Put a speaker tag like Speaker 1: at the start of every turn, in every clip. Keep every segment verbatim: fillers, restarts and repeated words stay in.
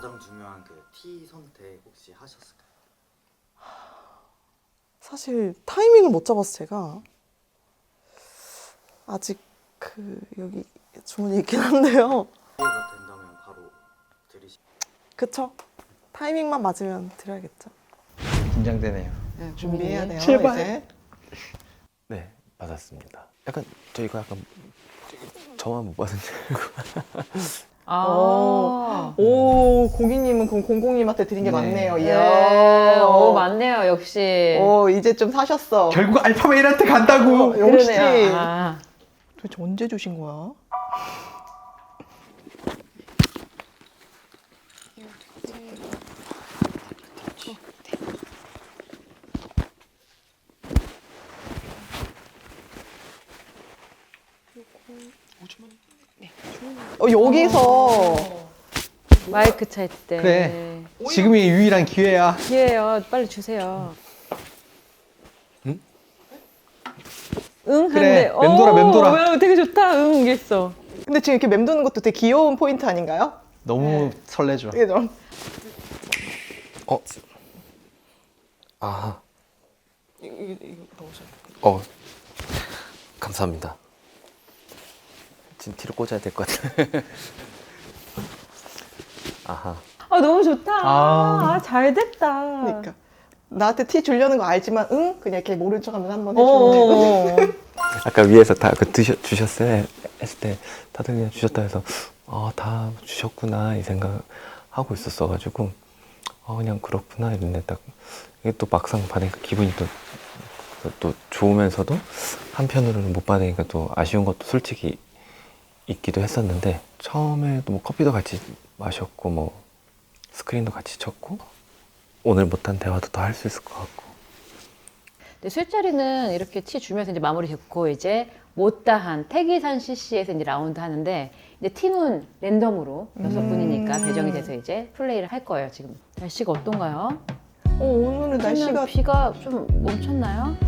Speaker 1: 가장 중요한 그 티 선택 혹시 하셨을까요?
Speaker 2: 사실 타이밍을 못 잡아서 제가 아직 그 여기 주문이 있긴 한데요.
Speaker 1: 기회가 된다면 바로 드리시.
Speaker 2: 그쵸? 타이밍만 맞으면 드려야겠죠.
Speaker 3: 긴장되네요.
Speaker 2: 네, 준비해야 돼요.
Speaker 3: 제발.
Speaker 2: 이제.
Speaker 4: 네, 받았습니다. 약간 저 이거 약간 저만 못 받은 줄 알고.
Speaker 5: 아,
Speaker 2: 오, 고객님은 그럼 공공님한테 드린 게
Speaker 3: 네.
Speaker 2: 많네요.
Speaker 5: 네,
Speaker 2: 이야.
Speaker 5: 오, 맞네요, 역시.
Speaker 2: 오, 이제 좀 사셨어.
Speaker 3: 결국 알파메일한테 간다고.
Speaker 2: 어, 역시.
Speaker 5: 그러네요. 아.
Speaker 2: 도대체 언제 주신 거야? 어, 여기서
Speaker 5: 마이크 찰 때.
Speaker 3: 그래. 지금이 유일한 기회야.
Speaker 5: 기회요. 빨리 주세요.
Speaker 4: 응?
Speaker 5: 응?
Speaker 3: 그래,
Speaker 5: 하는데,
Speaker 3: 맴돌아,
Speaker 5: 오,
Speaker 3: 맴돌아.
Speaker 5: 왜, 되게 좋다. 응, 이게 있어.
Speaker 2: 근데 지금 이렇게 맴도는 것도 되게 귀여운 포인트 아닌가요?
Speaker 3: 너무 설레죠.
Speaker 2: 이게 좀
Speaker 4: 어, 아,
Speaker 2: 이거, 이거, 이거 넣으셔야 돼요.
Speaker 4: 어, 감사합니다. 지금 뒤로 꽂아야 될 것 같아. 아하.
Speaker 5: 아, 너무 좋다.
Speaker 3: 아.
Speaker 5: 아, 잘 됐다.
Speaker 2: 그러니까 나한테 티 주려는 거 알지만 응? 그냥 이렇게 모른 척하면서 한번 해주면 되거든.
Speaker 5: 어.
Speaker 4: 아까 위에서 다 그 드셔 주셨어요 했을 때 다들 그냥 주셨다 해서 아, 다 주셨구나 이 생각 하고 있었어가지고 어, 그냥 그렇구나 이랬는데 딱 이게 또 막상 받으니까 기분이 또 또 좋으면서도 한편으로는 못 받으니까 또 아쉬운 것도 솔직히 있기도 했었는데 처음에도 뭐 커피도 같이 마셨고 뭐 스크린도 같이 쳤고 오늘 못한 대화도 더 할 수 있을 것 같고.
Speaker 5: 근데 술자리는 이렇게 티 주면서 이제 마무리 됐고, 이제 못다한 태기산 씨씨에서 이제 라운드 하는데, 이제 팀은 랜덤으로 여섯 분이니까 배정이 돼서 이제 플레이를 할 거예요, 지금. 날씨가 어떤가요?
Speaker 2: 어, 오늘은 날씨가
Speaker 5: 날씨가 비가 좀 멈췄나요?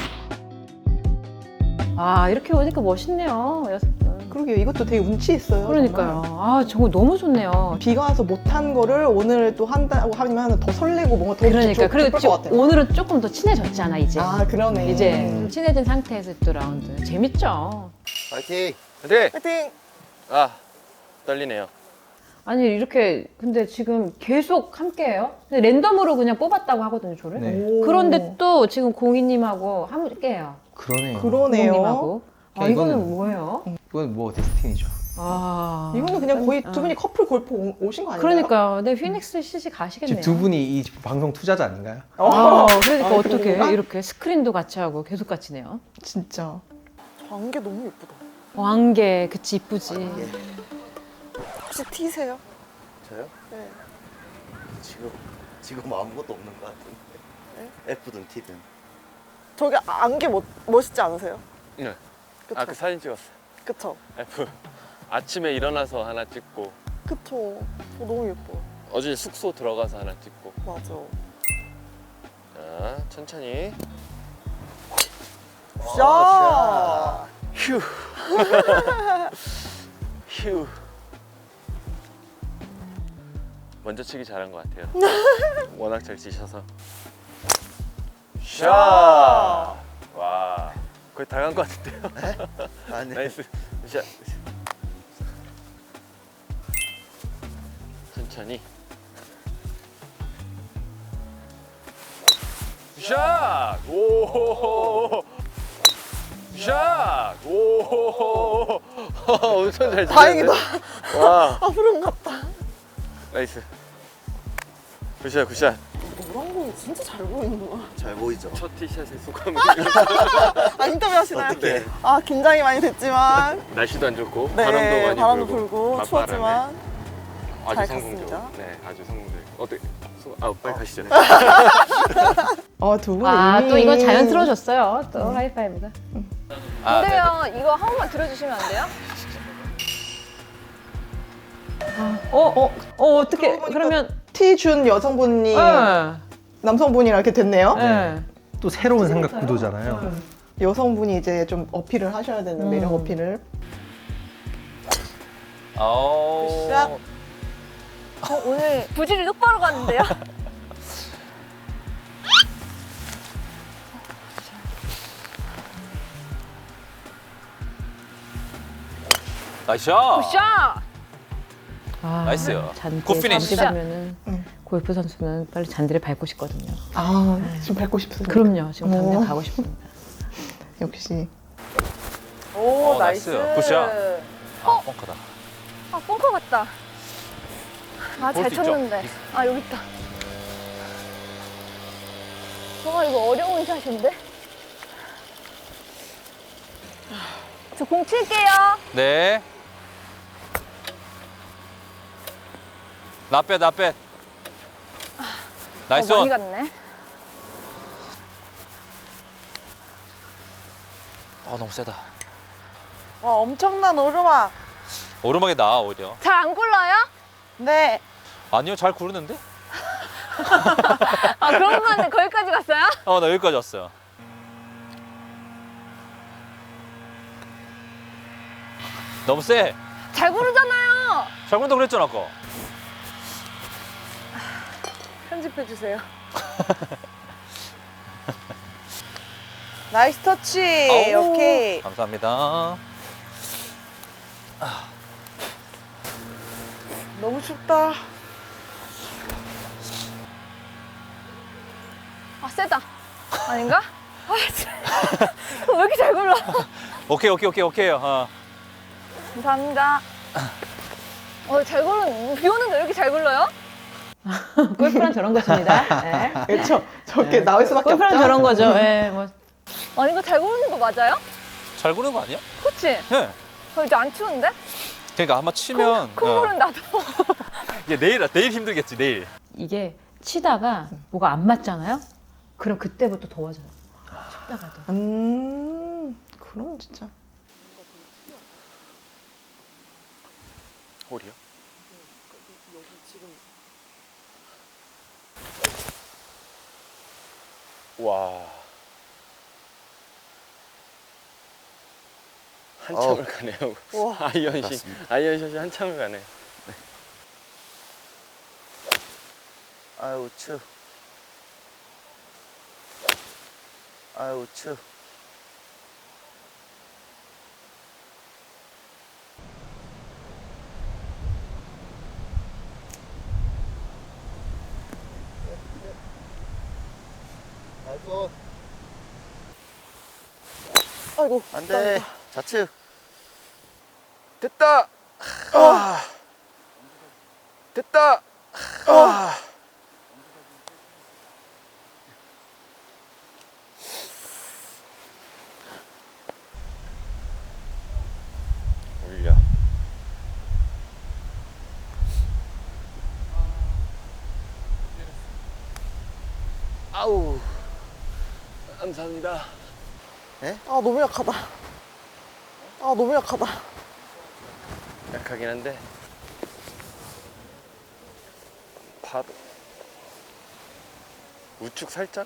Speaker 5: 아, 이렇게 오니까 멋있네요, 여섯 분.
Speaker 2: 그러게요. 이것도 되게 운치 있어요.
Speaker 5: 그러니까요.
Speaker 2: 정말.
Speaker 5: 아, 정말 너무 좋네요.
Speaker 2: 비가 와서 못한 거를 오늘 또 한다고 하면 더 설레고 뭔가 더
Speaker 5: 그러니까.
Speaker 2: 좋-
Speaker 5: 그리고
Speaker 2: 기쁠
Speaker 5: 지-
Speaker 2: 것 같아요.
Speaker 5: 오늘은 조금 더 친해졌잖아, 이제.
Speaker 2: 아, 그러네.
Speaker 5: 이제 좀 친해진 상태에서 또 라운드. 재밌죠?
Speaker 6: 파이팅!
Speaker 4: 네.
Speaker 2: 파이팅!
Speaker 4: 아, 떨리네요.
Speaker 5: 아니, 이렇게, 근데 지금 계속 함께 해요? 근데 랜덤으로 그냥 뽑았다고 하거든요, 저를.
Speaker 3: 네.
Speaker 2: 오.
Speaker 5: 그런데 또 지금 공희님하고 함께 해요.
Speaker 3: 그러네요.
Speaker 2: 그러네요.
Speaker 5: 공희님하고. 아,
Speaker 3: 이거는-
Speaker 5: 이거는 뭐예요?
Speaker 3: 이건 뭐 데스티니죠.
Speaker 5: 아.
Speaker 2: 이거는 그냥 거의
Speaker 5: 아.
Speaker 2: 두 분이 커플 골프 오- 오신 거 아닌가요?
Speaker 5: 그러니까요. 네, 피닉스 씨씨 가시겠네요.
Speaker 3: 지금 두 분이 이 방송 투자자 아닌가요?
Speaker 5: 아, 그러니까
Speaker 2: 아,
Speaker 5: 어떻게
Speaker 2: 그런가?
Speaker 5: 이렇게 스크린도 같이 하고 계속 같이 네요.
Speaker 2: 진짜. 저 안개 너무 예쁘다.
Speaker 5: 왕개, 그치, 이쁘지.
Speaker 2: 혹시 티세요?
Speaker 6: 저요?
Speaker 2: 네.
Speaker 6: 지금 지금 아무것도 없는 것 같은데.
Speaker 2: 네?
Speaker 6: F든 T든.
Speaker 2: 저기 안개 멋, 멋있지 않으세요?
Speaker 7: 네.
Speaker 2: 그쵸?
Speaker 7: 아, 그 사진 찍었어.
Speaker 2: 그쵸?
Speaker 7: F. 아침에 일어나서 하나 찍고,
Speaker 2: 그쵸. 저 너무 예뻐.
Speaker 7: 어제 숙소 들어가서 하나 찍고.
Speaker 2: 맞아.
Speaker 7: 자, 천천히.
Speaker 2: 자.
Speaker 7: 휴. 휴. 먼저 치기 잘한 것 같아요. 워낙 잘 치셔서. 샷! 와. 거의 다 간 것 같은데요?
Speaker 6: 아니.
Speaker 7: 나이스. 샷. 천천히. 샷! 오! 샷! 오! 엄청 잘 치는데.
Speaker 2: 다행이다.
Speaker 7: 와,
Speaker 2: 앞으로 갔다.
Speaker 7: 나이스. 굿샷, 굿샷.
Speaker 2: 노란 공이 진짜 잘 보이는구나.
Speaker 6: 잘 보이죠?
Speaker 7: 첫 티샷의 소감이
Speaker 2: 아, 인터뷰 하시나요?
Speaker 6: 어떡해.
Speaker 2: 아, 긴장이 많이 됐지만.
Speaker 7: 날씨도 안 좋고
Speaker 2: 네,
Speaker 7: 바람도 많이
Speaker 2: 바람도
Speaker 7: 불고,
Speaker 2: 불고
Speaker 7: 맞바람에
Speaker 2: 추웠지만
Speaker 7: 아주
Speaker 2: 잘
Speaker 7: 성공적으로.
Speaker 2: 갔습니다.
Speaker 7: 네, 아주 성공적. 어때? 소... 아, 빨리 가시죠.
Speaker 2: 아, 두 분이
Speaker 5: 아,
Speaker 2: 이미
Speaker 5: 또 이거 자연스러워졌어요. 또 하이파이브가.
Speaker 7: 아,
Speaker 8: 근데요, 이거 한 번만 들어주시면 안 돼요?
Speaker 5: 어, 어, 어, 어떻게,
Speaker 2: 그러고 보니까
Speaker 5: 그러면.
Speaker 2: 티 준 여성분이
Speaker 5: 네.
Speaker 2: 남성분이랑 이렇게 됐네요.
Speaker 5: 네.
Speaker 3: 또 새로운 생각 구도잖아요.
Speaker 2: 여성분이 이제 좀 어필을 하셔야 되는
Speaker 5: 음.
Speaker 2: 매력 어필을.
Speaker 7: 아우.
Speaker 2: 샷.
Speaker 8: 어, 오늘 부질이 똑바로 갔는데요?
Speaker 9: 나이스 샷.
Speaker 8: 굿샷!
Speaker 5: 아,
Speaker 9: 나이스요.
Speaker 5: 잔디
Speaker 9: 굿 피니시.
Speaker 5: 밟으면은
Speaker 2: 응.
Speaker 5: 골프 선수는 빨리 잔디를 밟고 싶거든요.
Speaker 2: 아, 지금 밟고 싶습니다.
Speaker 5: 그럼요. 지금 당장
Speaker 2: 오.
Speaker 5: 가고 싶습니다.
Speaker 2: 역시.
Speaker 9: 오, 나이스. 굿샷. 아, 뻥커다.
Speaker 8: 아, 뻥커 같다. 아, 잘
Speaker 9: 볼수 있죠?
Speaker 8: 쳤는데. 아, 여기 있다. 와, 이거 어려운 샷인데? 저 공 칠게요.
Speaker 9: 네. 나빼 나빼. 나이스
Speaker 8: 어, 많이
Speaker 9: 원.
Speaker 8: 갔네.
Speaker 9: 아 너무 세다.
Speaker 2: 와, 엄청난 오르막.
Speaker 9: 오르막에 나와 오히려.
Speaker 8: 잘 안 굴러요?
Speaker 2: 네.
Speaker 9: 아니요 잘 구르는데?
Speaker 8: 아, 그런 거 같네. 거기까지 갔어요?
Speaker 9: 어 나 여기까지 왔어요. 너무 세.
Speaker 8: 잘 구르잖아요.
Speaker 9: 잘 구른다 그랬잖아 아까.
Speaker 8: 편집해주세요.
Speaker 2: 나이스 터치.
Speaker 9: 아우,
Speaker 2: 오케이.
Speaker 9: 감사합니다.
Speaker 2: 너무 춥다.
Speaker 8: 아, 세다. 아닌가? 아, 진짜. 왜 이렇게 잘 굴러?
Speaker 9: 오케이 오케이 오케이 오케이요. 어.
Speaker 8: 감사합니다. 어, 잘 굴러. 비 오는데 왜 이렇게 잘 굴러요?
Speaker 5: 골프란 저런 것입니다. 네.
Speaker 2: 그렇죠. 저렇게 나올 수밖에 없죠.
Speaker 5: 골프란 저런 거죠. 예, 뭐.
Speaker 8: 아니, 이거 잘 구르는 거 맞아요?
Speaker 9: 잘 구르는 거 아니야?
Speaker 8: 그치?
Speaker 9: 네.
Speaker 8: 어, 이제 안 추운데?
Speaker 9: 그러니까 한번 치면
Speaker 8: 콩
Speaker 9: 어.
Speaker 8: 구른다도.
Speaker 9: 이게 내일 내일 힘들겠지 내일.
Speaker 5: 이게 치다가 뭐가 안 맞잖아요? 그럼 그때부터 더워져요. 춥다가도.
Speaker 2: 음, 그럼 진짜.
Speaker 7: 홀이요? 와. 한참을 가네요. 아이언샷, 아이언샷이 한참을 가네.
Speaker 6: 아유 추. 아유 추.
Speaker 2: 아이고.
Speaker 6: 안돼. 좌측.
Speaker 7: 됐다. 아. 됐다. 아. 올려. 아우. 감사합니다.
Speaker 2: 아, 너무 약하다. 아, 너무 약하다.
Speaker 7: 약하긴 한데 바로 우측 살짝.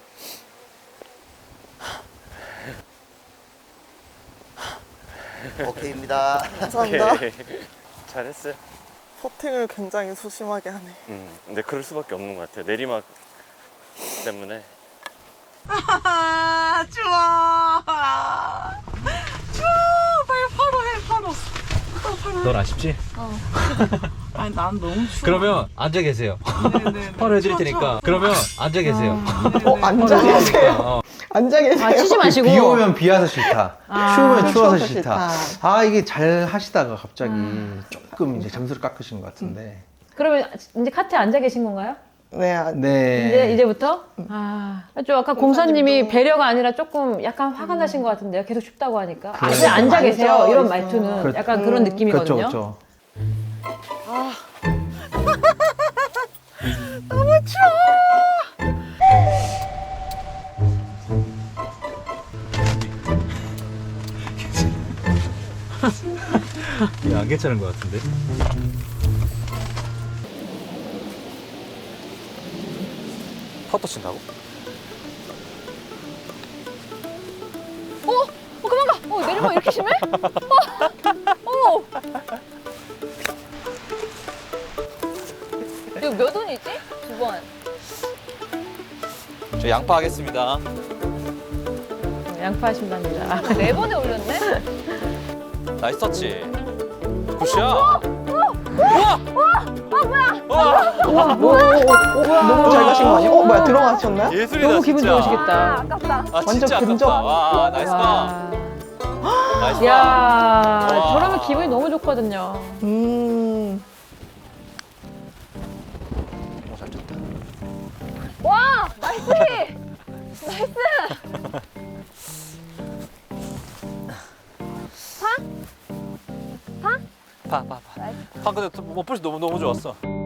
Speaker 6: 오케이입니다.
Speaker 2: 감사합니다.
Speaker 7: 오케이. 잘했어요.
Speaker 2: 퍼팅을 굉장히 소심하게 하네.
Speaker 7: 음, 근데 그럴 수밖에 없는 것 같아요. 내리막 때문에.
Speaker 2: 아, 추워. 추워. 빨리 파로 해, 파로.
Speaker 3: 넌 아쉽지?
Speaker 2: 아니, 난 너무 추워.
Speaker 3: 그러면 앉아 계세요.
Speaker 2: 네네네.
Speaker 3: 바로 해드릴 테니까. 그러면 앉아 계세요.
Speaker 2: 어, 앉아 계세요.
Speaker 3: 어.
Speaker 2: 앉아 계세요.
Speaker 5: 아, 치지 마시고.
Speaker 3: 비 오면 비 와서 싫다.
Speaker 5: 아,
Speaker 3: 추우면 추워서
Speaker 2: 추워서
Speaker 3: 싫다.
Speaker 2: 싫다.
Speaker 3: 아 이게 잘 하시다가 갑자기 조금 이제 점수를 깎으신 것 같은데.
Speaker 5: 그러면 이제 카트에 앉아 계신 건가요?
Speaker 2: 네, 아,
Speaker 3: 네.
Speaker 5: 이제, 이제부터? 아, 좀 아까 공사님이
Speaker 2: 공사님도-
Speaker 5: 배려가 아니라 조금 약간 화가 나신 것 같은데요. 계속 춥다고 하니까. 아,
Speaker 3: 그래.
Speaker 5: 그냥 앉아
Speaker 2: 앉아
Speaker 5: 계세요. 이런
Speaker 2: 있어.
Speaker 5: 말투는
Speaker 3: 그렇-
Speaker 5: 약간 그런
Speaker 2: 음.
Speaker 5: 느낌이거든요.
Speaker 3: 그렇죠, 그렇죠. 이게 안 괜찮은 것 같은데.
Speaker 9: 퍼터 친다고?
Speaker 8: 어? 어, 그만 가! 어, 내리막 이렇게 심해? 어! 어! 몇 원이지? 두 번.
Speaker 9: 저 양파 하겠습니다.
Speaker 5: 양파 하신답니다.
Speaker 8: 네 번에 올렸네?
Speaker 9: 나이스 터치. 굿샷. 우와! 우와!
Speaker 2: 너무 잘 가신 거 아니에요? 어, 뭐야, 들어가셨나요?
Speaker 9: 예술이다
Speaker 5: 너무 기분
Speaker 9: 진짜.
Speaker 8: 아,
Speaker 5: 좋으시겠다.
Speaker 8: 아깝다.
Speaker 9: 아
Speaker 2: 완전
Speaker 9: 진짜
Speaker 2: 근접.
Speaker 9: 아깝다. 와 나이스 파.
Speaker 5: 와.
Speaker 9: 나이스 파.
Speaker 5: 야,
Speaker 9: 와.
Speaker 5: 저러면 기분이 너무 좋거든요.
Speaker 2: 음.
Speaker 9: 너무 잘 쳤다.
Speaker 8: 와! 나이스! 나이스! 파? 파?
Speaker 9: 파, 파, 파. 파 근데 뭐 풋이 너무 너무 좋았어.